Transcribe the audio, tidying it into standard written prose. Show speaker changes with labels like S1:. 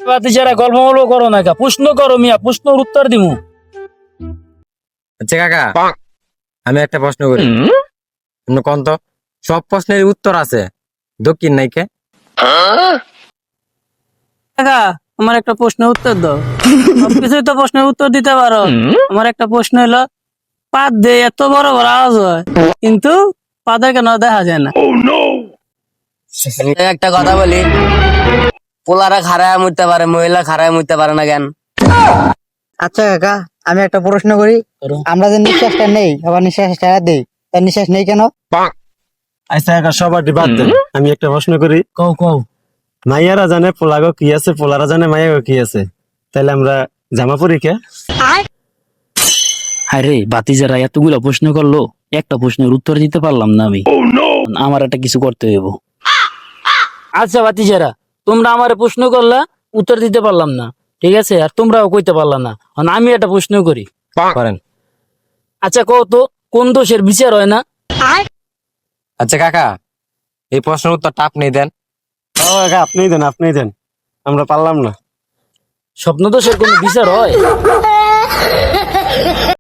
S1: বাতিজারা গল্প মল্প করো না, প্রশ্ন করো মিয়া, প্রশ্নের উত্তর দিমু।
S2: আচ্ছা কাকা, আমি একটা প্রশ্ন করি, কোন তো সব প্রশ্নের উত্তর আছে, দক্ষিণ নাইকে?
S3: কাকা আমার একটা প্রশ্নের উত্তর দাও। সবকিছুই তো প্রশ্নের উত্তর দিতে পারো। আমার একটা প্রশ্ন হলো, পাত দিয়ে এত বড় বড় আওয়াজ হয় কিন্তু পাদের কেন দেখা যায় না?
S4: একটা কথা বলি, পোলারা খাড়ায় মরতে পারে, মহিলা খাড়ায় মরতে পারে না কেন?
S5: আচ্ছা কাকা, আমি একটা প্রশ্ন করি। আমরা যে নিঃশ্বাসটা নেই আবার নিঃশ্বাসটা দেই, তার নিঃশ্বাস নেই কেন?
S6: আচ্ছা কাকা, সবার বাদ দেন, আমি একটা প্রশ্ন করি।
S1: কও কও।
S6: মাইয়ারা জানে পোলাগো কি আছে, পোলারা জানে মাইয়াগো কি আছে, তাইলে আমরা জামা পরি কে?
S1: আরে বাতিজারা এতগুলো প্রশ্ন করলো, একটা প্রশ্নের উত্তর দিতে পারলাম না আমি। আমার একটা কিছু করতে হইব। আচ্ছা বাতিজারা, তোমরা আমার প্রশ্ন করলা, উত্তর দিতে পারলাম না, ঠিক আছে, আর তোমরাও কইতে পারলা না। এখন আমি একটা প্রশ্ন করি।
S2: করেন।
S1: আচ্ছা কও তো, কোন দোষের বিচার হয় না?
S2: আচ্ছা কাকা, এই প্রশ্নের উত্তরটা আপনি দেন।
S6: ও কাকা, আপনিই দেন, আমরা পারলাম না।
S1: স্বপ্ন দোষের কোনো বিচার হয়?